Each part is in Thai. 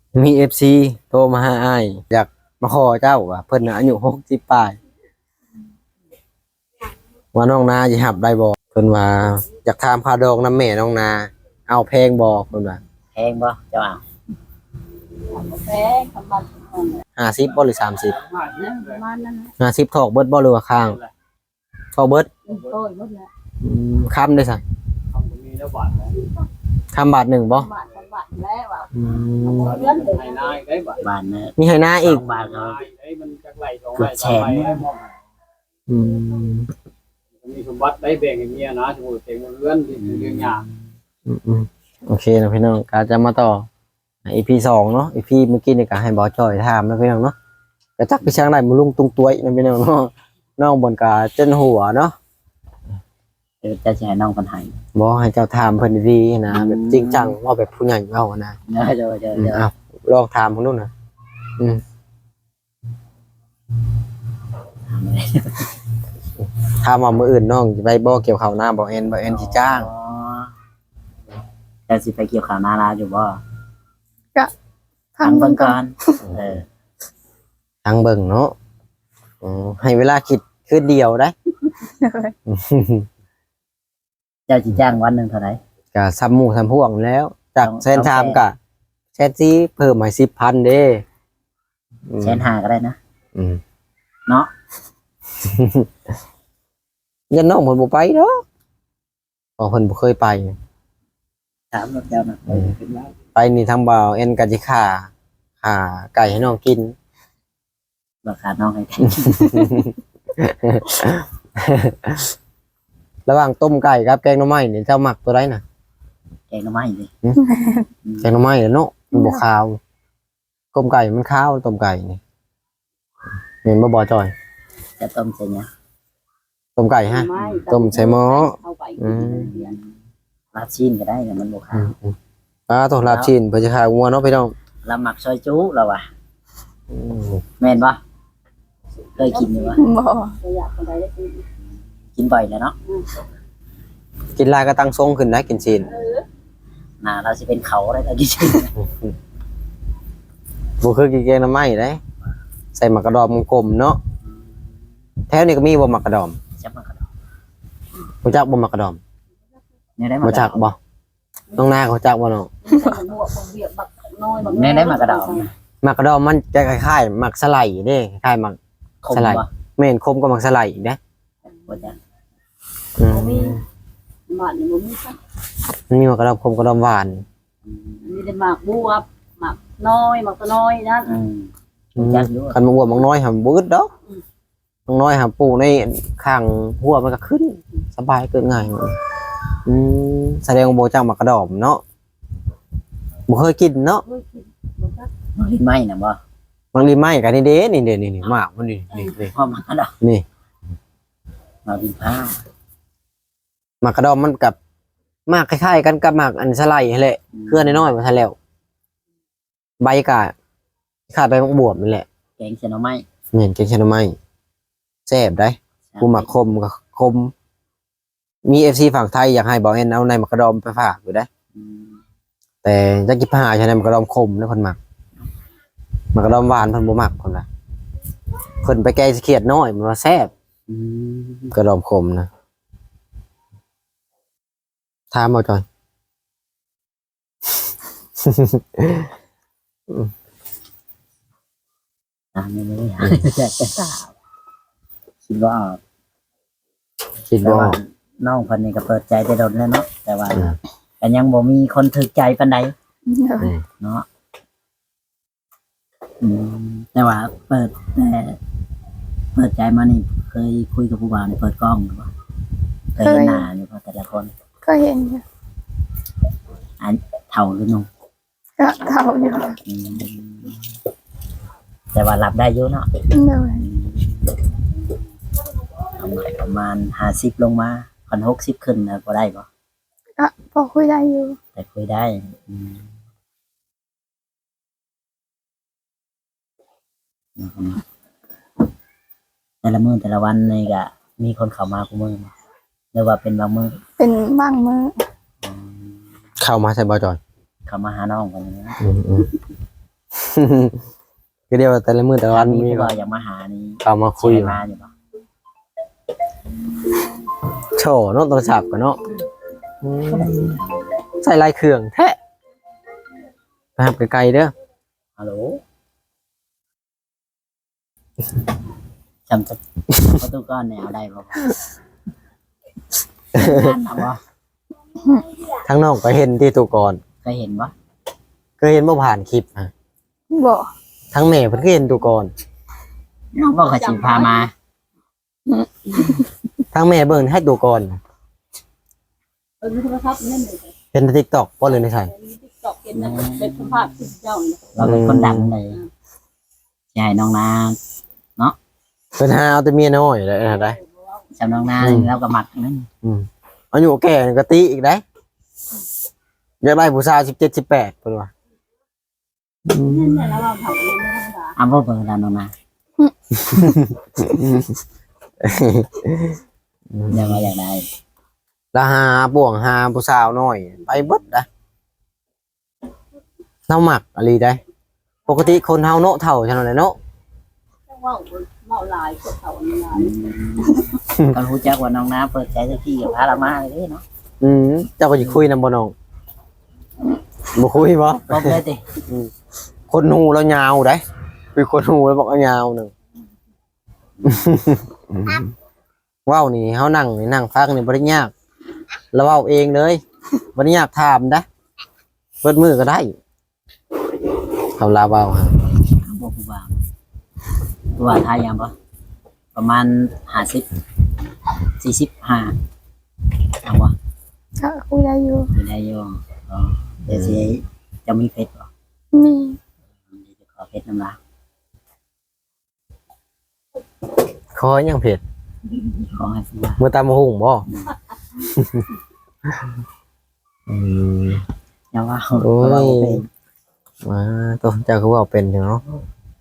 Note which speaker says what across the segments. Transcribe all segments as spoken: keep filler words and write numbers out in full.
Speaker 1: มี เอฟ ซี โทรมาหาอ้ายอยากมาขอเจ้าว่าเพิ่นน่ะอายุหกสิบปลายว่าน้องนาสิรับได้บ่เพิ่นว่าอยากถามค่าดอกน้ำแม่น้องนาเอาแพงบ่เพิ่นว่า
Speaker 2: แพงบ่เจ้าเอา
Speaker 3: แพงประมาณ
Speaker 1: ห้าสิบบ่หรือสามสิบ
Speaker 3: ประมาณนั้นนะ
Speaker 1: ห้าสิบถอกเบิดบ่หรือว่าข้างถอกเบิด
Speaker 3: โอ้ยหมดแล้ว
Speaker 1: อืมคำได้ซั่นคำบาทหนึ่งบ่
Speaker 3: บาทบาทแล้วอ่ะ
Speaker 1: อืม
Speaker 3: เงินเลย
Speaker 2: บ้านนะ
Speaker 1: มีให้นาอีก
Speaker 2: บ้านเขาเกือบแสนเนี่ย
Speaker 1: อืม
Speaker 4: มีสมบัติได้แบ่งให้เมียนะสมมุติเต็มเรือนที่เรื่องยาก
Speaker 1: อืมอืมโอเคนะพี่น้องก็จะมาต่อ อี พี สองเนาะ อี พี เมื่อกี้นี่ก็ให้บ่จ้อยถามนะพี่น้องเนาะก็จักพี่ช่างได้มาลุงตุงตัวยนะพี่น้องเนาะน้องบนกาจนหัวเนาะ
Speaker 2: เดี๋ยวจะให้น้องคนไทย
Speaker 1: บ่ให้เจ้าถามเพิ่นดีๆนะแบบจริงจังว่าแบบผู้ใหญ่เว้านะ
Speaker 2: เดี๋ยวเดี๋ยวเดี๋ยวเดี๋ยว
Speaker 1: อ้าวลองถามเพิ่นดูนะอืมถามว่ามื้ออื่นน้องสิไปบ่เกี่ยวข้าวนาบ่แอนบ่แอนสิจ้าง
Speaker 2: อ๋อจะสิไปเกี่ยวข้าวนาลาอยู่บ่
Speaker 3: ก็
Speaker 2: ทางเบิ่งก่อนเออ
Speaker 1: ทางเบิ่งเนาะอ๋อให้เวลาคิดคืนเดียวได้
Speaker 2: เจ้าสิจ้างวันหนึงเท่าไหร่
Speaker 1: ก็ซ้ำหมู่ซ้ำพวกแล้วจาก
Speaker 2: ต้อง
Speaker 1: แสนชามก็แสนสี่เพิ่มให้สิบพันเด้อืม
Speaker 2: แสนห้าก็ได้นะ
Speaker 1: อืม
Speaker 2: เนาะ
Speaker 1: ยันน้องเพิ่นบ่ไปเนาะเพราะเพิ่นบ่เคยไป
Speaker 2: ถามกับเจ้าน่ะ
Speaker 1: อืม ไปนี่ทางบ่าวเอ็นก็สิฆ่าฆ่าไก่ให้น้องกิน
Speaker 2: ราคาน้องให้ได้
Speaker 1: ระหว่างต้มไก่กับแกงหน่อไม้นี่เจ้ามักตัวใดน่ะ
Speaker 2: แกงหน่อไม้ดิ
Speaker 1: แกงหน่อไม้เนาะมันบ่คาวต้มไก่มันคาวต้มไก่นี่เห็นบ่บ่จอย
Speaker 2: จะต้มใส่หยัง
Speaker 1: ต้มไก่ฮะ ต้มใส่หม้ออืม
Speaker 2: ลาบชิ้นก็ได้แต่มันบ่ขาว
Speaker 1: ปลาต้องลาบชิ้นเพื่อจะขายงัวเนาะพี่น้อง
Speaker 2: เราหมักซอยจุเราอ่ะ
Speaker 1: อืม
Speaker 2: แม่นบ่เคยกินอยู่บ่
Speaker 3: บ่อยากคนใดได้กิน
Speaker 2: กินบ่อยแล้วเนาะ
Speaker 1: กินลายก็ตั้งทรงขึ้นนะกินชิ้น
Speaker 2: หน้าเราสิเป็นเขาได้เรากินชิ้น
Speaker 1: บ่คือกินแกงหน่อไม้เด้ใส่หมักกระดอมกลมๆเนาะแถวนี้ก็มีบ่หมักกระดอม
Speaker 2: จับมากระดอก
Speaker 1: รู้จักบ่หมักกระดอม
Speaker 2: เนี่ยได้มา
Speaker 1: รู้จักบ่น้องนาเขาจักบ่น้อง
Speaker 3: บวกเบียดบักน้อยบัก
Speaker 2: เนี่ยได้มากระดอก
Speaker 1: หมักกระดอมมันจะคล้ายๆหมักสไลด์เด้คล้ายๆหมัก
Speaker 2: คม
Speaker 1: สไลด์
Speaker 2: บ่
Speaker 1: แม่นคมกว่าหมักสไลด์อีกเด้
Speaker 2: บ่จ้ะ
Speaker 1: อืม
Speaker 3: มีบ้านนี่บ่มีซัก
Speaker 1: มันมีหมักกระดอมคมกระดอมหวาน
Speaker 3: มีแต่หมากบวบหมากน้อยหมากตัวน้อยนั่น
Speaker 2: อืม
Speaker 1: อืม
Speaker 2: จักอยู่
Speaker 1: คันมาอ้วนมักน้อยหำบ่อึดดอกมักน้อยหำปลูกในข้างหัวมันก็ขึ้นสบายเกินง่ายมันอืมแสดงว่าบ่จักหมักกระดอมเนาะบ่เคยกินเนาะ
Speaker 3: เฮ้ยกินบ่ซัก
Speaker 2: มันลิ้นไหม้น่ะบ่
Speaker 1: บางทีไม่กันนี่เด้นี่เด้นี่นี่หมากมันนี่นี่นี่
Speaker 2: พอมากระดอก
Speaker 1: นี่
Speaker 2: มาดินผ้า
Speaker 1: หมากกระดอมมันกับหมากคล้ายๆกันกับหมากอันสไลด์นั่นแหละเครือน้อยๆมาซะแล้วใบกะขาดใบมะบวบนี่แหละ
Speaker 2: แกงเส้นหน่อไม้
Speaker 1: เหมือนแกงเขียวหน่อไม้แซ่บได้กูหมักคมกับคมมี เอฟ ซี ฝั่งไทยอยากให้บอกเอ็นเอาในหมากกระดอมไปฝากอยู่ได้
Speaker 2: อืม
Speaker 1: แต่จักกิบหาใช่ในหมากกระดอมคมแล้วคนหมักหมากกระดอมหวานเพิ่นบ่มักคนละเพิ่นไปแกงเขียดน้อยมันว่าแซ่บ
Speaker 2: อืม
Speaker 1: กระดอมคมนะถามเอาจอย
Speaker 2: อ่าไม่รู้อยากจะทราบคิดว่า
Speaker 1: คิด
Speaker 2: แต่
Speaker 1: ว่า
Speaker 2: ว่าน้องคนนี้ก็เปิดใจได้โดนแล้วเนาะแต่ว่าก็ยังบ่มีคนถึกใจปานใดเนาะอืมแต่ว่าเปิดแต่เปิดใจมานี่เคยคุยกับผู้บ่าวนี่เปิดกล้องหรือเปล่าเคยเห็นหน้าอยู่บ่แต่ละคน
Speaker 3: ก็เห็นอยู่
Speaker 2: อันเท่าหรือนุ่ม
Speaker 3: ก็เท่าอยู่
Speaker 2: อืมแต่ว่ารับได้อยู่เนาะ
Speaker 3: เลย
Speaker 2: ประมาณประมาณห้าสิบลงมาพันหกสิบขึ้นนะพอได้ปะ
Speaker 3: ก็พอคุยได้อยู่
Speaker 2: แต่คุยได้อืมแต่ละมือแต่ละวันนี่ก็มีคนเข้ามาคุมือบ่หรือว่าเป็นบางมือ
Speaker 3: เป็นบ้างมือ
Speaker 2: อืม
Speaker 1: เข้ามาใส่บ่จอย
Speaker 2: เข้ามาหาน้องกันนะ
Speaker 1: อืมอืมก็เดียวว่าแต่ละมื้อแต่ละวัน
Speaker 2: มี
Speaker 1: มี
Speaker 2: ผู้
Speaker 1: ก็
Speaker 2: บ่าวอยากมาหานี่
Speaker 1: เอามาคุย
Speaker 2: ใช่มาอยู่บ่
Speaker 1: โชว์เนาะโทรศัพท์กันเนาะอืมใส่ลายเครื่องแท้ไปหับไกลๆเด้อ
Speaker 2: ฮัลโหลจำจะประตูก้อนแนวได้บ่เอาบ่
Speaker 1: ทั้งน้องก็เห็นที่ตัวก่อน
Speaker 2: เคยเห็นบ่
Speaker 1: ก็เห็นบ่ผ่านคลิปฮะ
Speaker 5: บ่
Speaker 1: ทั้งแม่เพิ่นก็เห็นตัวก่อน
Speaker 2: น้องบ่เคยสิพามา
Speaker 1: ทั้งแม่เบิ่งให้ตัวก่อน
Speaker 3: เออมีโทรศัพท์นั่นเลย
Speaker 1: เห็นใน TikTok บ่เลยในไส
Speaker 3: มีติ๊กต็อกเห็นนะเป็นสภาพที่เจ้าเนี่ย
Speaker 2: เราเป็นคนดังเลยสิให้น้องนา
Speaker 1: เพิ่นหาเอาแต่เมียน้อยได้นะได้
Speaker 2: จำน้องนาเราก็มักนั่น
Speaker 1: อืมอายุแก่นี่ก็ติอีกได้อยากได้ผู้สาวสิบเจ็ด สิบแปดเพิ่นว่า
Speaker 3: นั่นแหละแล้วเราทำเองไม่ธรรมดา
Speaker 2: เอาบ่เบิ่งแล้วน้องนาเดี๋ยวว่าอยากได้
Speaker 1: แล้วหาบ่วงหาผู้สาวน้อย ไปเบิดนะเฮามักอะลีได้ ปกติคนเฮาเนาะเฒ่าจังได๋เนาะ
Speaker 3: ว่าเมาลายพวกเขาเนี่ย
Speaker 2: ก็รู้จักว่าน้องนาเปิดใจสักทีกับพาเรามาเลยเนาะ
Speaker 1: อืมเจ้าก็สิคุยนำบ่น้องบ่คุยบ่
Speaker 2: พบเลยติ
Speaker 1: คนหูแล้วยาวได้คือคนหูแล้วบอกว่ายาวหนึง ว้าวนี่เฮานั่งนี่นั่งฟังนี่บ่ได้ยากแล้วเว้าเองเลยบ่ได้ยากถามนะเปิดมือก็ได้เขาลาเว้าฮะ
Speaker 2: บ่ผู้บ่าวผู้บ่าวทายยังบ่ประมาณห้าสิบ สี่สิบห้าเอาบ่
Speaker 5: ก็คุยได้อยู่
Speaker 2: อยู่ได้อยู่อ๋อเดี๋ยวสิจะมีเฟซบ่
Speaker 5: มี
Speaker 2: เดี๋ยวจะขอเฟซน้ำลาย
Speaker 1: ขอยังเผ็ด
Speaker 2: ขอให้ผู้บ่าว
Speaker 1: มือตามมาหุงบ่อืม
Speaker 2: อย่าว่า
Speaker 1: โอ้ย
Speaker 2: เพราะว่าบ่เป็น
Speaker 1: มาตัวเจ้าคือว่าเป็นอยู่เนาะ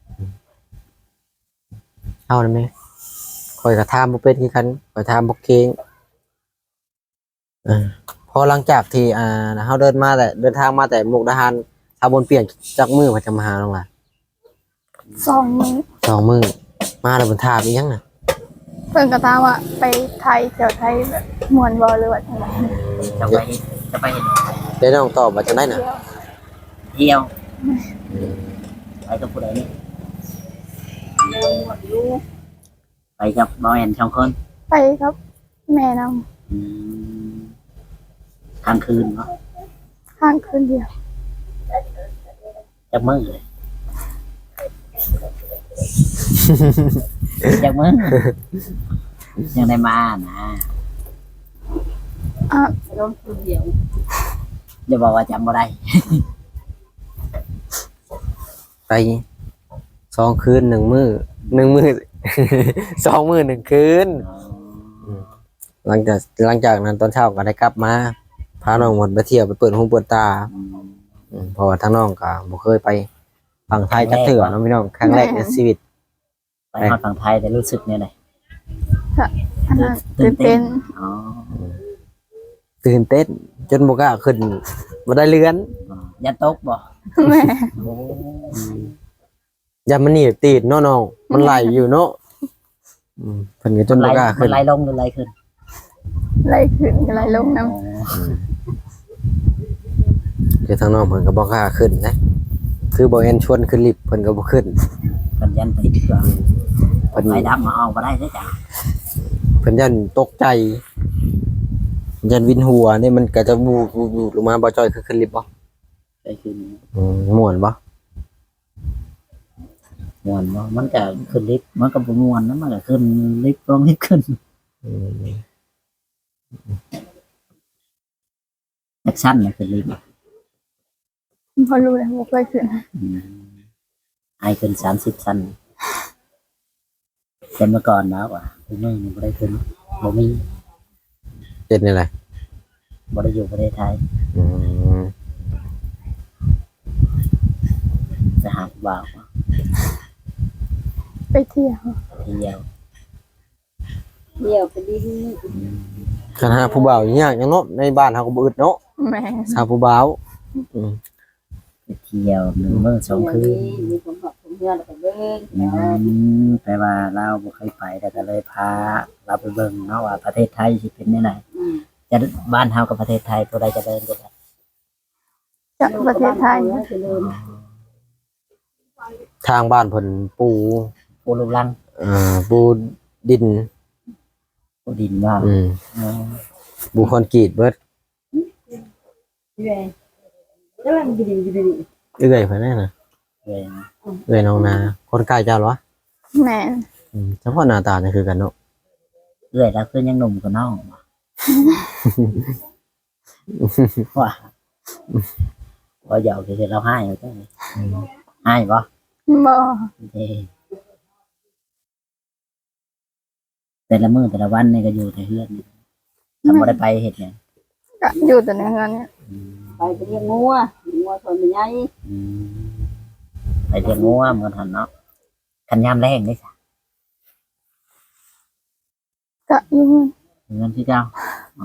Speaker 1: เอาได้ไหมคอยกระทำบ่เป็นคือกันคอยทำบ่เก่งเออพอหลังจากที่อ่าเฮาเดินมาแต่เดินทางมาแต่มุกดาหารชาวบนเปลี่ยนจากมือมาจะมาหาน้องล่ะ
Speaker 5: สองมื้อ
Speaker 1: สองมือมาแล้วบนทาบอีหยังน่ะ
Speaker 5: เพิ่นก็ถามว่าไปไทยแถวไทยแบบม่วนบ่หรือว่าจังได๋
Speaker 2: จะไปจะไปเห็น
Speaker 1: ได้น้องตอบว่าจังได๋น่ะ
Speaker 2: เที่ยวไปกับผู้ใดนี่
Speaker 3: เรื่องหมดรู้
Speaker 2: ไปกับบ่แอนสองคน
Speaker 5: ไปครับแม่นำ
Speaker 2: อืมกลางคืนเนาะ
Speaker 5: ข้างคืนเดียว
Speaker 2: จักมื้อเลยจักมื้อยังได้มานะ
Speaker 5: อ่ะ
Speaker 3: เรื่องคนเดียว
Speaker 2: อย่าบอกว่าจำบ่ได้
Speaker 1: ไปสองคืนหนึ่งมือหนึ่งมือ สองมือหนึ่งคืน หลังจากหลังจากนั้นตอนเช้าก็ได้กลับมาพาน้องหมดไปเที่ยวไปเปิดหูเปิดตาอืมเพราะว่าทั้งน้องก็บ่เคยไปฝั่งไทยจักเถื่อเนาะพี่น้องครั้งแรกในชีวิต
Speaker 2: ไปฮอดฝั่งไทยแต่รู้สึกเนี่ยไหน
Speaker 5: อันนั้นตื่นเต้น
Speaker 2: อ๋อ
Speaker 1: ตื่นเต้นจนบ่กล้าขึ้นบ่ได้เลื่อน
Speaker 2: ยันตกบ่
Speaker 5: แม่
Speaker 2: โอ้
Speaker 1: อย่ามันหนีบตีดเนาะน้องมันไหลอยู่เนาะอืมเพิ่นก็จน
Speaker 2: ไหล
Speaker 1: บ่กล้า
Speaker 2: มั
Speaker 1: ขึ้
Speaker 2: น
Speaker 1: น
Speaker 2: ไหลลงหรือไหลขึ้น
Speaker 5: ไหลขึ้นก็ไหลลงนำ
Speaker 2: อ๋อ
Speaker 1: คือทางน้องเพิ่นก็บ่กล้าขึ้นนะคือบ่เห็นชวนขึ้นลิฟต์เพิ่นก็บ่ขึ้น
Speaker 2: เพิ่นยันติดก็
Speaker 1: เพิ่น
Speaker 2: ไหลดับมาเอาบ่ได้เด้อจ้ะ
Speaker 1: เพิ่นยันตกใจยันวินหัวนี่มันก็จะบูบบูบบูบลงมาบ่จอยคือขึ้นลิฟต์บ่
Speaker 2: ไปขึ้น
Speaker 1: อืมม่วนบ่
Speaker 2: ม่วนบ่มันก็ขึ้นลิฟต์มันก็บ่ม่วนนะมันก็ขึ้นลิฟต์ลงลิฟต์ขึ้น
Speaker 1: อืม
Speaker 2: แอคชั่นน่ะขึ้นลิฟต์
Speaker 5: พอรู้แล้วบ่เคยขึ้น
Speaker 2: อืมไอขึ้นสามสิบชั้นแต่เมื่อก่อนนะว่าคุณแม่นี่บ่ได้ขึ้นบ่มี
Speaker 1: เฮ็ดนี่แหละ
Speaker 2: บ่ได้อยู่ประเทศไทย
Speaker 1: อืม
Speaker 2: ไปหาผู้บ่าว
Speaker 5: ไปเที่ยว
Speaker 2: เที่ยว
Speaker 3: เดียวไปดิน
Speaker 1: คันหาผู้บ่าวยากจังเนาะในบ้านเฮาก็บ่อึดเนาะ
Speaker 5: แม่
Speaker 1: หาผู้บ่าวอืม
Speaker 2: เที่ยวหนึ่งมื้อสองคืน
Speaker 3: มีผมกับผมเพื่อนแล้วก็เบิ่ง
Speaker 2: อืมแปลว่าเราบ่เคยไปแต่ก็เลยพาเราไปเบิ่งเนาะว่าประเทศไทยสิเป็นแนวไหน
Speaker 3: อืม
Speaker 2: จะบ้านเฮากับประเทศไทยตัวใดจะเดินกัน
Speaker 5: จากประเทศไทย
Speaker 3: เจริญ
Speaker 1: ทางบ้านเพิ่นปู
Speaker 2: ปูลูกลัง
Speaker 1: เอ่อปูดิน
Speaker 2: ปูดินว่า
Speaker 1: อืม
Speaker 2: อ๋อ
Speaker 1: ปูคอนกรีตเบิด
Speaker 3: พี่แม่แล้วมันดีดีดี
Speaker 1: เอื้อยเพิ่นนั่นน่ะ
Speaker 2: เลย
Speaker 1: เอื้อยน้องนาคนใกล้เจ้าเหรอ
Speaker 5: แม่น
Speaker 1: อืมเฉพาะหน้าตานี่คือกันเนาะ
Speaker 2: เอื้อยแล้วคือยังหนุ่มกว่าน้องว่าว่าหยอกคือเราให้เอาจังให้บ่
Speaker 5: บ่
Speaker 2: เด้แต่ละมื้อแต่ละวันนี่ก็อยู่แต่เฮือนนี่ทำบ่ได้ไปเฮ็ดหยัง
Speaker 5: ก็อยู่แต่ในเฮือนเนี่ย
Speaker 2: อืม
Speaker 3: ไปไปเลี้ยงงัวงัวชนมันใหญ่
Speaker 2: อืมไปเลี้ยงงัวเหมือนหันเนาะคันยามแรงนี่จ้ะ
Speaker 5: ก็อยู่เฮือน
Speaker 2: เงินที่เจ้าอ๋อ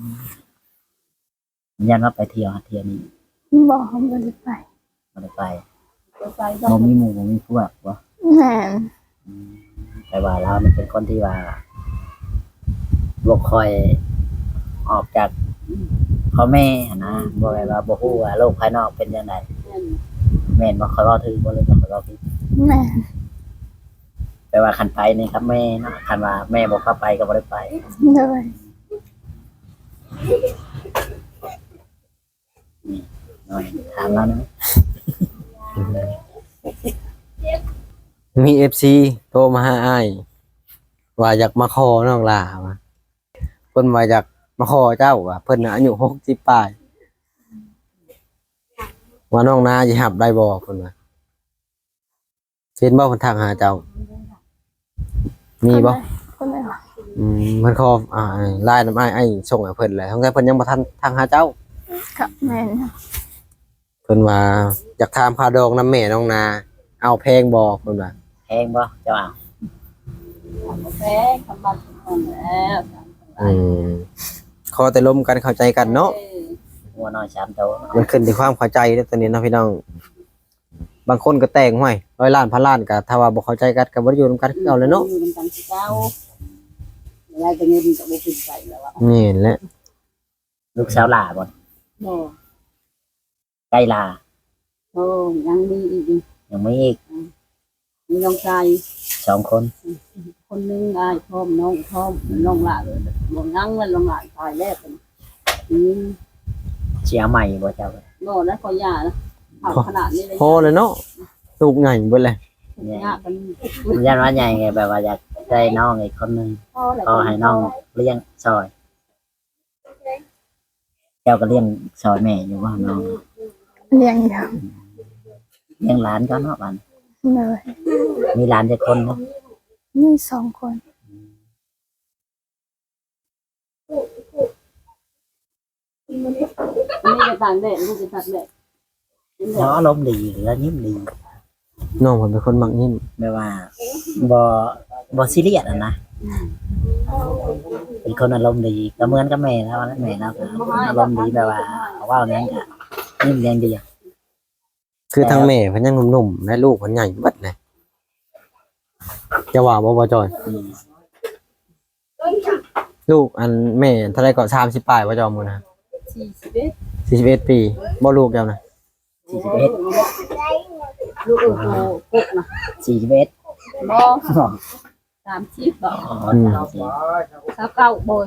Speaker 2: ยันว่าไปเที่ยวหาเที่ยวนี่
Speaker 5: บ่บ่ได้ไป
Speaker 2: บ่ได้ไป
Speaker 3: ไป
Speaker 2: บ่มีหมู่บ่มีพวกบ่
Speaker 5: แม่น
Speaker 2: อืมแต่ว่าเรามันเป็นคนที่ว่าบ่ค่อยออกจากพ่อแม่หั้นนะบ่ได้ว่าบ่ฮู้ว่าโลกภายนอกเป็นจังไดแม่นบ่ค่อยเว้าถึงบ่เลยบ่ค่อยเว้าผิด
Speaker 5: แม่น
Speaker 2: แต่ว่าคันไปนี่ครับแม่เนาะคันว่าแม่บ่เข้าไปก็บ่ได้ไป
Speaker 5: เลย
Speaker 2: หน่อยถามแล้วนะ
Speaker 1: มี เอฟ ซี โทรมาหาอ้ายว่าอยากมาขอน้องลาว่าเพิ่นว่าอยากมาขอเจ้าว่าเพิ่นน่ะอายุหกสิบปลายว่าน้องนาสิรับได้บ่เพิ่นว่าเห็นบ่เพิ่นทักหาเจ้า มีบ่
Speaker 5: คนไหนวะ
Speaker 1: อืมเพิ่นขออ่าไลน์นำอ้ายอ้ายส่งให้เพิ่นแหละทั้งแต่เพิ่นยังบ่ทันทักหาเจ้า
Speaker 5: ก็แม่น
Speaker 1: เพิ่นว่าอยากถามค่าดอกน้ำแม่น้องนา เอาแพงบ่เพิ่นว่า
Speaker 2: แพงบ่เจ้าอ่ะ
Speaker 3: แพ้คำบันของแล้ว
Speaker 1: อืมขอแต่ลมกันเข้าใจกันเนาะ
Speaker 2: หัวน้อยสามโตเนาะ
Speaker 1: มันขึ้นที่ความเข้าใจเด้อตอนนี้เนาะพี่น้อง บางคนก็แต่งห้วยร้อยล้านพันล้านก็ถ้าว่าบ่เข้าใจกันก็บ่ได้อยู่นำกันคือเอาเลยเนาะ
Speaker 3: อยู่กันที่เก้าอะไรจะเงินจะไม่ถึงใจแล้วอ่ะ
Speaker 1: นี่แหละ
Speaker 2: ลูกสาวหลาบ่
Speaker 3: โอ้
Speaker 2: ใกล้ลา
Speaker 3: โหยังมีอีก
Speaker 2: ยังไม่อีก
Speaker 3: มีน้องชาย
Speaker 2: สองคน
Speaker 3: คนนึงอายพร้อมน้องพร้อมน้องหลานเลยบ่งั้งมันน้องหลานตายแรกกันอืม
Speaker 2: เสียใหม่บ่เจ้า
Speaker 3: โน่แล้วก็ยาแล้วเอาขนาดนี้เลย
Speaker 1: พอเลยเนาะลูกใหญ่เบิดเลย
Speaker 3: ยากัน
Speaker 2: ยันว่าใหญ่ไงแบบว่าอยากได้น้องอีกคนหนึง
Speaker 3: พ่อแหละ
Speaker 2: ก็ให้น้องเลี้ยงซอย เจ้าก็เลี้ยงซอยแม่อยู่ว่าน้อง
Speaker 5: เลี้ยงอยู่
Speaker 2: เลี้ยงหลานก็เนาะบัน
Speaker 5: เลย
Speaker 2: มีหลานจะคนเนาะ
Speaker 5: มีสองคน
Speaker 3: นี่จะต่างแดดนี่จะต่างแดด
Speaker 2: เพราะอารมณ์ดีแล้วยิ้มดี
Speaker 1: น้องเพิ่นเป็นคนมักยิ้ม
Speaker 2: ไม่ว่าบ่บ่ซีเรียสอ่ะนะเป็นคนอารมณ์ดีก็เหมือนกับแม่แล้วนะแม่แล้วก็อารมณ์ดีแบบว่าเขาว่าอย่างนั้นก็ยิ้มแย้มดีอะ
Speaker 1: คือทั้งแม่เพิ่นยังหนุ่มๆและลูกเพิ่นใหญ่เบิดเลยจะว่าบ่บ่จอย
Speaker 2: อืม
Speaker 1: ลูกอันแม่เท่าไรก็สามสิบปลายบ่จอมมื้อนะ
Speaker 3: สี่สิบเอ็ด
Speaker 1: สี่สิบเอ็ดปีบ่ลูกเจ้านะ
Speaker 2: สี่สิบเอ็ด
Speaker 3: ลูกโอ้โหกุกนะ
Speaker 2: สี่สิบเอ็ด
Speaker 3: บ่สามสิบบ่
Speaker 2: อ๋อ
Speaker 1: อืม
Speaker 2: สามสิบ
Speaker 3: สาวเก้าโบย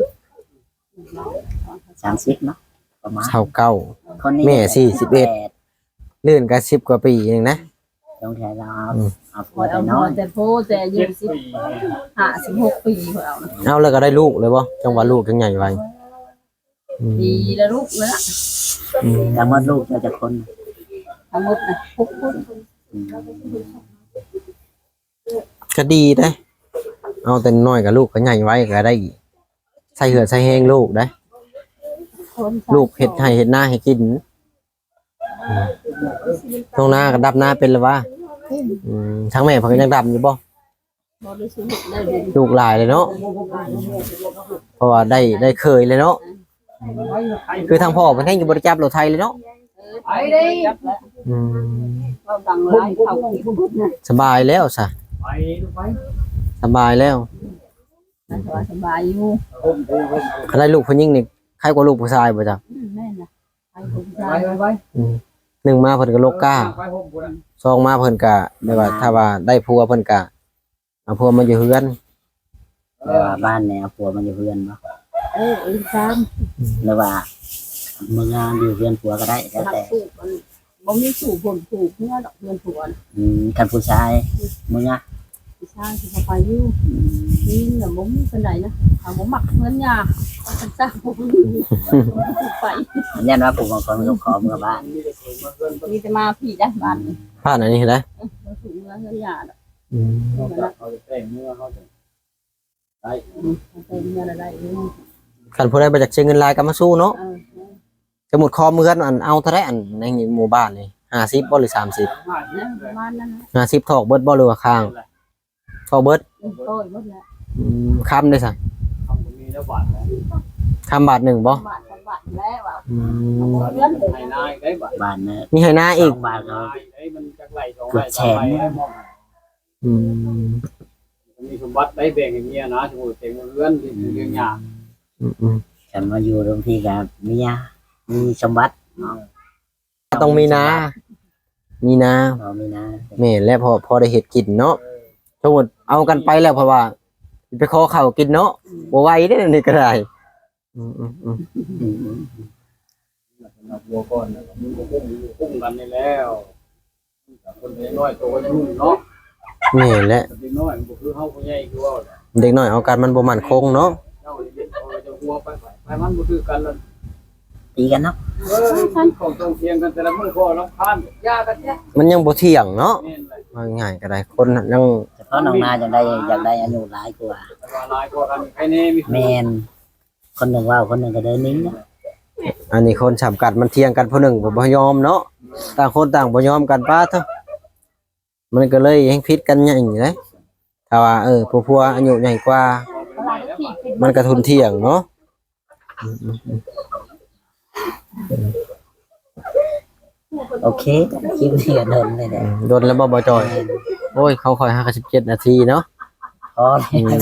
Speaker 2: สามสิบเนาะประมาณ
Speaker 1: เท่าเก้า
Speaker 2: คนนี้
Speaker 1: แม่สี่สิบเอ็ด ลื่นก็สิบกว่าปีเองนะ
Speaker 2: ต้องใช้เราเอา
Speaker 1: อืม
Speaker 2: เอา
Speaker 3: ค
Speaker 2: ผัว
Speaker 3: อย
Speaker 2: แต่
Speaker 3: เอา
Speaker 2: น้อย
Speaker 3: แต่โพแต่อายุสิบห้าสิบหกปีคอยเอานะ
Speaker 1: เอาแล้วก็ได้ลูกเลยบ่จังว่าลูกจังใหญ่ไวอืม
Speaker 3: ดีแล้วลูกเลยละ
Speaker 1: อืม
Speaker 2: แต่เมื่อลูกเราจะคน
Speaker 3: ทั้งหมดนะหกคน
Speaker 2: อืม
Speaker 1: ก็ดีได้เอาแต่น้อยกับลูกก็ใหญ่ไว้ก็ได้ใส่เหือใส่แห้งลูกได้
Speaker 3: คน
Speaker 1: ลูกเฮ็ดให้เฮ็ดหน้าให้กินอืมตรงหน้าก็ดับหน้าเป็นแล้ววะอืมทั้งแม่เพิ่นก็ยังดำอยู่บ่
Speaker 3: บริสุทธิ์ได้ดี
Speaker 1: ลูกหลายเลยเนาะเพราะว่าได้ได้เคยเลยเนาะคือทางพ่อเพิ่นแห่งอยู่บ่ได้จับรถไทยเลยเนาะ
Speaker 3: เอไปดิจับแล้ว
Speaker 1: อืม
Speaker 3: เราดังหลายเขาที่พูดนะ
Speaker 1: สบายแล้วซะ
Speaker 4: ไปดูไป
Speaker 1: สบายแล้ว
Speaker 3: สบายสบายอยู่
Speaker 4: ห่มห่มห่ม
Speaker 1: คันได้ลูกผู้หญิงนี่ใครกว่าลูกผู้ชายบ่จ๊ะ
Speaker 3: อืมแม่น่ะไปคน
Speaker 4: ไป
Speaker 3: ชาย
Speaker 4: ไปไป
Speaker 1: อืมหนึ่งมาเพิ่นก็โลกกล้า
Speaker 4: ไปห่มพุ่นน่ะ
Speaker 1: สองมาเพิ่นก็ได้ว่าถ้าว่าได้ผัวเพิ่นก็เอาผัวมาอยู่เฮือน
Speaker 2: แต่ว่าบ้านเนี่ยเอาผัวมันอยู่เพื่อนบ่
Speaker 3: เอออีกสาม
Speaker 2: หรือว่ามึงงานอยู่เพื่อนผัวก็ได้แล้ว
Speaker 3: หัก
Speaker 2: แต่
Speaker 3: สูบมันบ่มีสูบผลสูบเมื่อดอกเงินผัว
Speaker 2: อืมคันผู้ชายมึงอ่ะ
Speaker 3: ผู้ชายที่เขาไปอยู่นี่น่ะบ่มีปานใดนะถ้าบ่มักเงินยาเขาจะจ้างบ่มีไป
Speaker 2: ยันว่าผู้บางคนก็ขอเมื่อบ้าน
Speaker 4: มีแต่คนมาเพื่อน
Speaker 3: มีแต่มาพี่ได้บ้านนี่
Speaker 1: ผ่านอันนี้ได้
Speaker 3: เออบ่สูบเงินเงินยาดอก
Speaker 1: อืม
Speaker 4: เขาจะเขาจะแต่งเมื่อเขาจะได้
Speaker 3: อืมเอาเป็นเงินอะไรเออ
Speaker 1: คันผู้ใดบ่อยากใช้เงินหลายก็มาสู้เนาะ
Speaker 3: เออ
Speaker 1: สมมุติคอมือกันอันเอาเท่าไดอันในหมู่บ้านนี่ห้าสิบบ่หรือสามสิบ
Speaker 4: ห้าสิ
Speaker 3: นะ
Speaker 4: บ
Speaker 3: ประมาณนั้นนะ
Speaker 1: ห้าสิบถอกเบิดบ่หรือว่าข้างถอกเบิด
Speaker 3: อืมโต้ยหมดแล้ว
Speaker 1: อืมคำได้ซะ
Speaker 4: ทำตรงนี้แล้วบาทแล้ว
Speaker 1: คำบาทหนึ่งบ่
Speaker 3: บาทสองบาทแล้วว่า
Speaker 1: อืม
Speaker 3: เงินเลย
Speaker 4: ไอ้นายได้บาท
Speaker 2: บ้านเนี่ย
Speaker 1: มีให้หน้าอีก
Speaker 2: สองบ้านเขา
Speaker 4: นายไอ้มันจักไหลสองไหลสามไหลได้มอง
Speaker 1: อืม
Speaker 4: มีสมบัติได้แบ่งให้เมียนะสมมุติแต่งเรือนที่เรื่องยาก
Speaker 1: อืมอืม
Speaker 2: ฉันมาอยู่ตรงที่กับเมียมีสมบัติ
Speaker 1: ต้องมีนา มีนา
Speaker 2: พอมีนะ
Speaker 1: แม่นและพอพอได้เฮ็ดกินเนาะสมมุติเอากันไปแล้วเพราะว่าไปขอข้าวกินเนาะบ่ไหวเด้อนี่ก็ได้อืมอืมอืม
Speaker 2: อืมอืม
Speaker 4: นับวัวก่อนนะมึงก็พุ่งพุ่งกันนี่แล้วคนน้อยโตก็ยุ่งเนาะ
Speaker 1: แม่นและ
Speaker 4: เด็กน้อยมันก็คือเฮาผู้ใหญ่คือว่า
Speaker 1: เด็กน้อยเอากันมันบ่มั่นคงเนาะ
Speaker 4: เจ้าเด็กเขาจะหัวไปไปมันบ่คือกันแล้ว
Speaker 2: ตีกันเนาะ
Speaker 4: เออของตรงเทียงกันแต่ละมื้อก็รับทานยากันแท้
Speaker 1: มันยังบ่เที่ยงเนาะ
Speaker 4: แม่นเลย
Speaker 1: ว่าง่ายก็ได้คนยัง
Speaker 2: เฉพาะน้องนาอยากได้อยากได้อายุหลายกว่า
Speaker 4: แต่ว่าหลายกว่ากันใครแน่มี
Speaker 2: แมนคนหนึ่งว่าวคนหนึ่งก็เดินนิ่งนะ
Speaker 1: อันนี้คนสำกัดมันเที่ยงกันผู้หนึ่งบ่บ่ยอมเนาะต่างคนต่างบ่ยอมกันป้าเถอะมันก็เลยแฮงผิดกันใหญ่เลยถ้าว่าเออผู้ผัวอายุใหญ่กว่า
Speaker 3: ตลาดก็ที่ปิด
Speaker 1: มันก็ทุนเที่ยงเนาะ
Speaker 2: โอเคคลิปนี้ก็เดินเลยแหละ
Speaker 1: โดนแล้วบ่บ่จอย โอ้ยเขาคอยห้าสิบเจ็ดนาทีเนาะ
Speaker 2: พอเล
Speaker 1: อื
Speaker 2: ย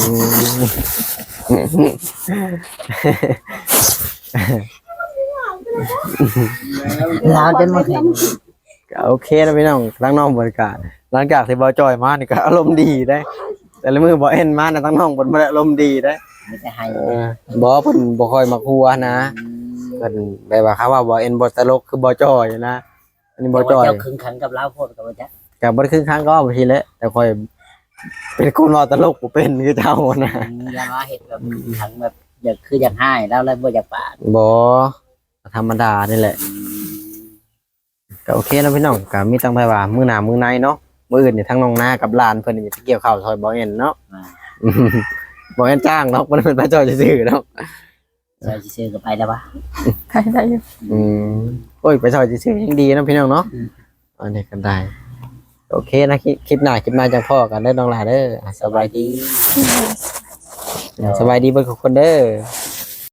Speaker 1: ม
Speaker 2: เราจนมาเห็น
Speaker 1: ก็โอเคนะพี่น้องทั้งน้องบริการหลังจากที่บ่จอยมานี่ก็อารมณ์ดีได้ แต่ละมือบ่เอ็นมานะทั้งน้องเพิ่นบ่ได้อารมณ์ดีได้
Speaker 2: ไม่ได้ให้
Speaker 1: เออบ่เพิ่นบ่ค่อยมักหัวนะเพิ่นแบบว่าเขาว่าบ่เอ็นบ่ตลกคือบ่จอยนะอันนี้บ่จอย
Speaker 2: เจ้าคึงขันกับเราโพดกับว่าจ๊ะ
Speaker 1: ก็บ่ได้ครึ่งครั้งก็บ่ทีแหละแต่ค่อยเป็นคนว่าตลกบ่เป็นคือเจ้านะ
Speaker 2: อย่ามาเห็นแบบขังแบบอยากคืออยากให้แล้วแล้วบ่อยากปาด
Speaker 1: บ่ธรรมดานี่แหละก็โอเคนะพี่น้องก็มีตั้งไปว่ามื้อหน้ามื้อในเนาะมื้ออื่นนี่ทั้งน้องนากับหลานเพิ่นนี่จะเกี่ยวข้าวซอยบ่เอ็นเนาะ
Speaker 2: มา
Speaker 1: บ่เอ็นจ้างเนาะบ่ได้เป็นพระเจ้าซื่อๆเนาะ
Speaker 2: ใส่ซื้อๆก็ไปแล้ววะ
Speaker 5: ใครได้อยู่
Speaker 1: อืมโอ้ยไปซอยซื่อๆยังดีนะพี่น้องเนาะอันนี้ก็ได้โอเคนะคลิปคลิปหน้าคลิปหน้าจังพ่อกันเด้อน้องหลานเด้ออ่ะสบายดีสบายดีเบิดทุกคนเด้อ